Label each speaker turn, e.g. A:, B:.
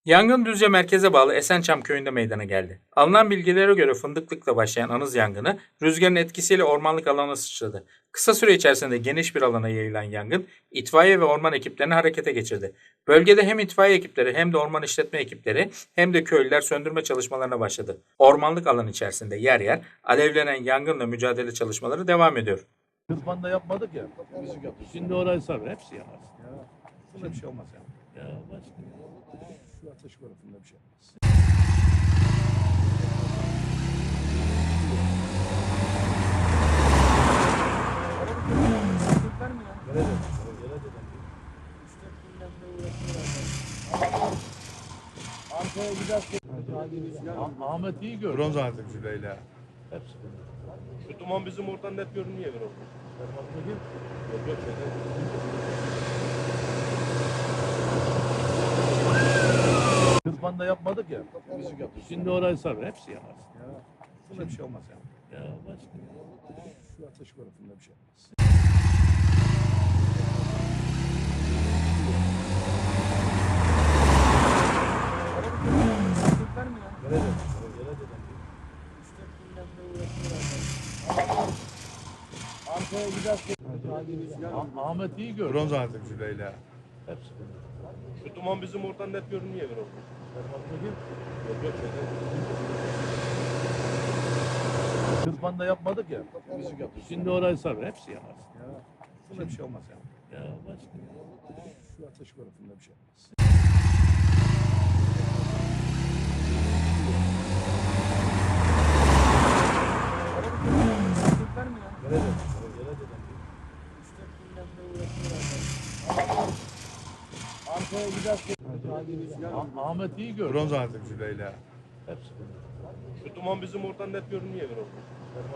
A: Yangın Düzce merkeze bağlı Esençam köyünde meydana geldi. Alınan bilgilere göre fındıklıkla başlayan anız yangını rüzgarın etkisiyle ormanlık alana sıçradı. Kısa süre içerisinde geniş bir alana yayılan yangın itfaiye ve orman ekiplerini harekete geçirdi. Bölgede hem itfaiye ekipleri hem de orman işletme ekipleri hem de köylüler söndürme çalışmalarına başladı. Ormanlık alan içerisinde yer yer alevlenen yangınla mücadele çalışmaları devam ediyor.
B: Kızmanda yapmadık ya. Müzik yaptık.
C: Şimdi orayı sar, hepsi yanar.
B: Ya. Buna bir şey olmaz ya.
C: Ya başka.
B: Şu ateş konusunda bir şey olmaz. Gelecek. Arkaya giderken
C: Ahmet iyi gör.
B: bronz artık Züleyla.
C: Hepsi.
D: Şu duman bizim oradan net görünüyor bir orada. Yok yok şeyden.
B: Kızmanda yapmadık ya. Müzik yaptık.
C: Şimdi orayı sar, hepsi yanar.
B: Ya. Buna bir şey olmaz ya.
C: Ya başka.
B: Şu ateş konusunda bir şey olmaz. Gelecek. Arkaya giderken
C: Ahmet iyi gör.
B: bronz artık Züleyla.
C: Hepsi.
D: Şu duman bizim oradan net görünüyor bir orada. Yok yok şeyden.
B: Kızmanda yapmadık ya. Müzik yaptık.
C: Şimdi orayı sar, hepsi yanar.
B: Ya. Buna bir şey olmaz ya.
C: Ya başka.
B: Şu ateş konusunda bir şey olmaz. Gelecek. Arkaya giderken
C: Ahmet iyi gör.
B: bronz artık Züleyla.
C: Hepsi.
D: Şu duman bizim oradan net görünüyor bir orada.